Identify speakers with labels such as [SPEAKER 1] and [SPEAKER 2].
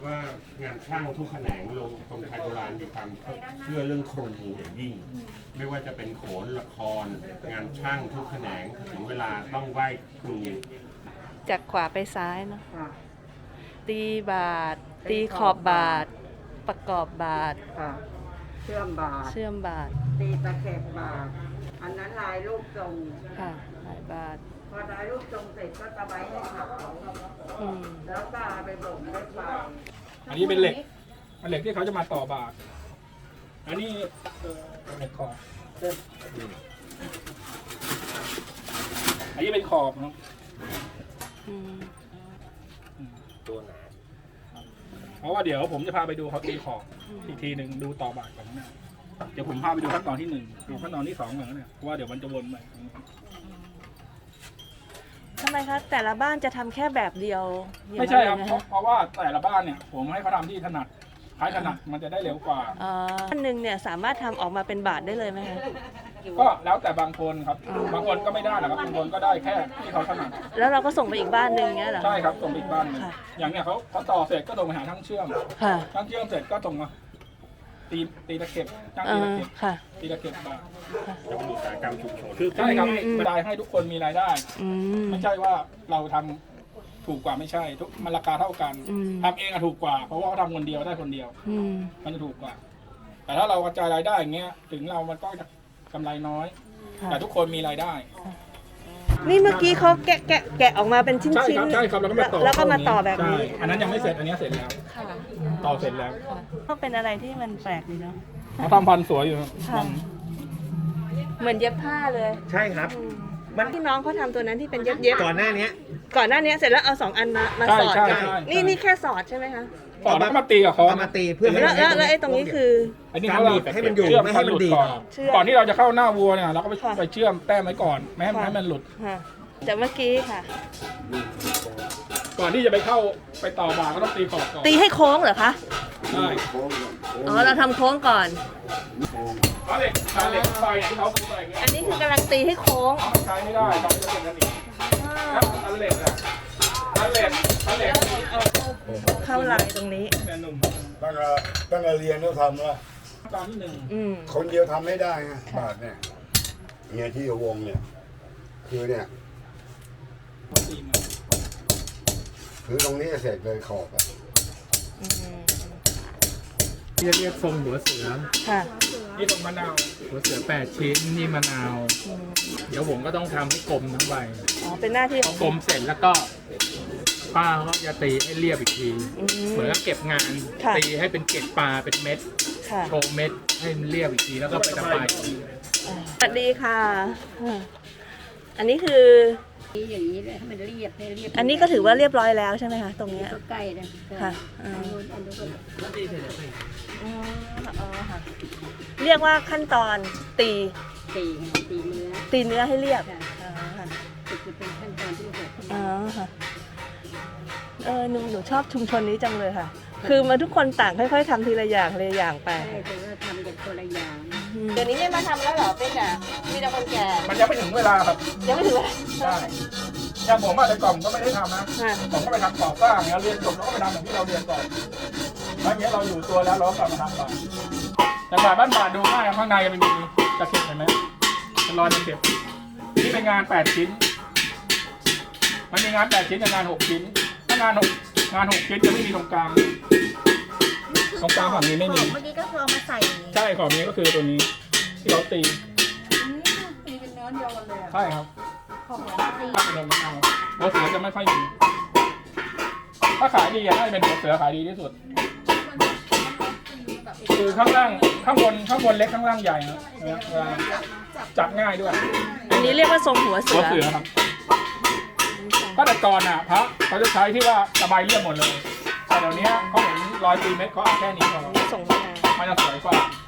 [SPEAKER 1] ว่างานช่างทุกแขนงลงตรงไทยโบราณมีความเชื่อเรื่องครูอย่างยิ่งไม่ว่าจะเป็นโขนละครงานช่างทุกแขนงถึงเวลาต้องไหว้ครู
[SPEAKER 2] จากขวาไปซ้ายเนาะตีบาท ตีขอบบาท ประกอบบาท
[SPEAKER 3] เชื่อมบาท
[SPEAKER 2] เชื่อมบาท
[SPEAKER 3] ตีตะเข็บบาท อันนั้นลายรูปทรง
[SPEAKER 2] ค่ะหลายบาท
[SPEAKER 3] พอลายรูปทรงเสร็จก็ตะไบให้ขับแล้วก็เอาไปบ่มด้วยไฟ
[SPEAKER 4] อันนี้เป็นเหล็กเป็นเหล็กที่เขาจะมาต่อบาทอันนี้เหล็กขอบอันนี้เป็นขอบครับ
[SPEAKER 1] ตัวหนา
[SPEAKER 4] เพราะว่าเดี๋ยวผมจะพาไปดูเขาตีขอบอีกทีหนึ่งดูต่อบาทก่อนนะเดี๋ยวผมพาไปดูขั้นตอนที่1ดูขั้นตอนที่2เหมือนกันเนี่ยเพราะว่าเดี๋ยวมันจะวนไป
[SPEAKER 2] ทำไมคะแต่ละบ้านจะทำแค่แบบเดียว
[SPEAKER 4] ไม่ใช่ครับ
[SPEAKER 2] อย่างนั้นเลยนะ
[SPEAKER 4] เพราะว่าแต่ละบ้านเนี่ยผมให้เขาทำที่ถนัดใครถนัดมันจะได้เร็วกว่า
[SPEAKER 2] บ้านหนึ่งเนี่ยสามารถทำออกมาเป็นบาทได้เลยไหมคะ
[SPEAKER 4] ก็แล้วแต่บางคนครับบางคนก็ไม่ได้นะครับบางคนก็ได้แค่ที่เขาถนัด
[SPEAKER 2] แล้วเราก็ส่งไปอีกบ้านหนึ่งเงี้ยเหรอ
[SPEAKER 4] ใช่ครับส่งไปอีกบ้านหนึ่ง
[SPEAKER 2] ค่ะ
[SPEAKER 4] อย่างเนี้ยเขาต่อเสร็จก็ส่งไปหาช่างเชื่อม
[SPEAKER 2] ค่ะ
[SPEAKER 4] ช่างเชื่อมเสร็จก็ส่งมาตีตะเข็บช่างตีตะเข็บ
[SPEAKER 2] ค่ะ
[SPEAKER 4] ตีตะเข็บบาท
[SPEAKER 1] จะเป็นอุตสาหกรรมชุมชน
[SPEAKER 4] ใช่ครับรายให้ทุกคนมีรายได้
[SPEAKER 2] ม
[SPEAKER 4] ไม่ใช่ว่าเราทำถูกกว่าไม่ใช่ทุกมันราคาเท่ากัน
[SPEAKER 2] อืม
[SPEAKER 4] ทำเองอะถูกกว่า เพราะว่าเขาทำคนเดียวได้คนเดียว
[SPEAKER 2] อืม
[SPEAKER 4] มันจะถูกกว่า แต่ถ้าเรากระจายรายได้อย่างเงี้ยถึงเรามันก็จะกำไรน้อย
[SPEAKER 2] ค่ะ
[SPEAKER 4] แต่ทุกคนมีรายได้
[SPEAKER 2] นี่เมื่อกี้เขาแกะออกมาเป็นชิ้น
[SPEAKER 4] ใช่
[SPEAKER 2] ชิ้น
[SPEAKER 4] ครับใช่ครับแล้วก็มาต่อ
[SPEAKER 2] แล้วก็มาต่อแบบนี้
[SPEAKER 4] ใช่อันนั้นยังไม่เสร็จอันนี้เสร็จแล้ว
[SPEAKER 2] ค่ะ
[SPEAKER 4] ต่อเสร็จแล้ว
[SPEAKER 2] ก็เป็นอะไรที่มันแปลกดีเนาะ
[SPEAKER 4] เขาทำพันสวยอยู่ครับ
[SPEAKER 2] ค่ะ เหมือนเย็บผ้าเลย
[SPEAKER 5] ใช่ครับ
[SPEAKER 2] มันที่น้องเขาทำตัวนั้นที่เป็นเย็บ
[SPEAKER 5] ก่อนหน้านี้
[SPEAKER 2] ก่อนหน้านี้เสร็จแล้วเอา2 อันมาสอด
[SPEAKER 4] ใช่
[SPEAKER 2] กัน
[SPEAKER 4] ใช่
[SPEAKER 2] นี่แค่สอดใช่ไหมคะ
[SPEAKER 4] ต่อแล้วก็มาตีกับเขา
[SPEAKER 5] เอามาตีเพื่อให้
[SPEAKER 2] แล้วไอ้ตรงนี้คือ
[SPEAKER 4] อันนี้
[SPEAKER 5] การ
[SPEAKER 4] เขา
[SPEAKER 5] บีบให้มันอยู่
[SPEAKER 4] เชื่อ
[SPEAKER 5] ไม่ให้มันดีด
[SPEAKER 4] ก่อน
[SPEAKER 2] เชื่อม
[SPEAKER 4] ก่อนที่เราจะเข้าหน้าวัวเนี่ยเราก็
[SPEAKER 2] ค่ะ
[SPEAKER 4] ไปเชื่อมแต้มไว้ก่อนไม่ให้มันหลุด
[SPEAKER 2] ค่ะจากเมื่อกี้ค่ะ
[SPEAKER 4] ก่อนที่จะไปเข้าไปต่อบาก็ต้องตีขอบก่อน
[SPEAKER 2] ตีให้โค้งเหรอคะ
[SPEAKER 4] ใช่
[SPEAKER 2] อ๋อเราทำโค้งก่อน
[SPEAKER 4] เอาเหล็กไฟที่เขาอะไรเงี้ย
[SPEAKER 2] อันนี้คือกำลังตีให้โค้ง
[SPEAKER 4] มันใช้ไม่ได้ครับจะเป็นกันอีกแล้วอันเหล็กอ่ะอันเหล็ก
[SPEAKER 2] เข้าลายตรงนี้
[SPEAKER 4] เนี่ยหนุ่ม
[SPEAKER 6] ตั้งแต่เรียนก็ทำแล้ว
[SPEAKER 4] ตอนที่1
[SPEAKER 2] อืม
[SPEAKER 6] คนเดียวทำไม่ได้ไงบาทเนี่ยเนี่ยที่วงเนี่ย คือเนี่ย
[SPEAKER 4] ตีมา
[SPEAKER 6] คือตรงนี้เสร็จเลยขอบอะ
[SPEAKER 2] อืม
[SPEAKER 7] เรียกทรงหัวเสือ
[SPEAKER 2] ค่ะ
[SPEAKER 4] นี่ตรงมะนาว
[SPEAKER 7] หัวเสือ8 ชิ้นนี่มะนาว
[SPEAKER 2] อืม
[SPEAKER 7] เดี๋ยวผมก็ต้องทำให้กลมทั้งใบ
[SPEAKER 2] อ๋อเป็นหน้าที่ของ
[SPEAKER 7] กลมเสร็จแล้วก็ป้าเขาก็จะตีให้เรียบอีกที
[SPEAKER 2] อืม
[SPEAKER 7] เหมือนกับเก็บงาน
[SPEAKER 2] ค่ะ
[SPEAKER 7] ตีให้เป็นเกล็ดปลาเป็นเม็ด
[SPEAKER 2] ค่ะ
[SPEAKER 7] โชว์เม็ดให้มันเรียบอีกทีแล้วก็ไปตะไบ
[SPEAKER 2] สวัสดีค่ะ อันนี้คือ
[SPEAKER 3] อย่างนี้เลยให้มันเรียบให้เรียบ
[SPEAKER 2] อันนี้ก็ถือว่าเรียบร้อยแล้วใช่ไหมคะตรงเนี้ย
[SPEAKER 3] ก็ใกล้นะ
[SPEAKER 2] ค่ะ
[SPEAKER 3] อันนู้นก็
[SPEAKER 2] อ๋อค่ะเรียกว่าขั้นตอนตี
[SPEAKER 3] ตีเนื้อ
[SPEAKER 2] ตีเนื้อให้เรียบ
[SPEAKER 3] ค่ะ
[SPEAKER 2] อ๋อค่ะ
[SPEAKER 3] จะเป็นขั้นตอนที่6
[SPEAKER 2] อ๋อค่ะหนูชอบชุมชนนี้จังเลยค่ะ คือมาทุกคนต่างค่อยๆทำทีละอย่างทีละอย่างไป
[SPEAKER 3] ใช่แต่ว่าทำกันคนละอย่าง
[SPEAKER 2] เดี๋ยวนี้ไม่มาทำแล้วเหรอเป็นอ่ะมีแต่คนแก่
[SPEAKER 4] มันยังไม่ถึงเวลาครับ
[SPEAKER 2] ยังไม่ถึงเวลา
[SPEAKER 4] ใช่อย่างผมอะแต่ก่อนก็ไม่ได้ทำนะ
[SPEAKER 2] ค่ะ
[SPEAKER 4] ผมก็ไปทำก่อสร้างเนี่ยเรียนจบแล้วก็ไปทำอย่างที่เราเรียนก่อนแล้วอย่างเงี้ยเราอยู่ตัวแล้วเราก็กลับมาทำต่อแต่ฝ่ายบ้านบาทดูง่ายครับข้างในมันมีตะเข็บเห็นไหมเป็นรอยตะเข็บนี่เป็นงาน8 ชิ้น มันมีงาน8 ชิ้นกับงาน6 ชิ้นถ้างาน6 ชิ้นจะไม่มีตรงกลางตรงกลางฝั่งนี้ไม่มี
[SPEAKER 2] เมื่อกี้ก็คือเอามาใส่
[SPEAKER 4] ใช่ของนี้ก็คือตัวนี้ที่เราตี
[SPEAKER 3] ตีเป็นเนื้อเดียวกันเลย
[SPEAKER 4] ใช่ครับ
[SPEAKER 3] ของตี
[SPEAKER 4] ถ้าเป็นลงมะนาวหัวเสือจะไม่ค่อยมีถ้าขายดีอะน่าจะเป็นหัวเสือขายดีที่สุด คือข้างล่างข้างบนเล็กข้างล่างใหญ่นะเวลาจับง่ายด้วย
[SPEAKER 2] อันนี้เรียกว่าทรงหัวเสื
[SPEAKER 4] หัว
[SPEAKER 2] อ
[SPEAKER 4] เสือครับก็แต่ก่อนอ่ะพระเขาจะใช้ที่ว่าสบายเรียบหมดเลยแต่เดี๋ยวนี้เขาเห็นรอยตีเม็ดเขาเอาแค่นี้พอ
[SPEAKER 2] ส่งมา
[SPEAKER 4] มันจะสวยกว่า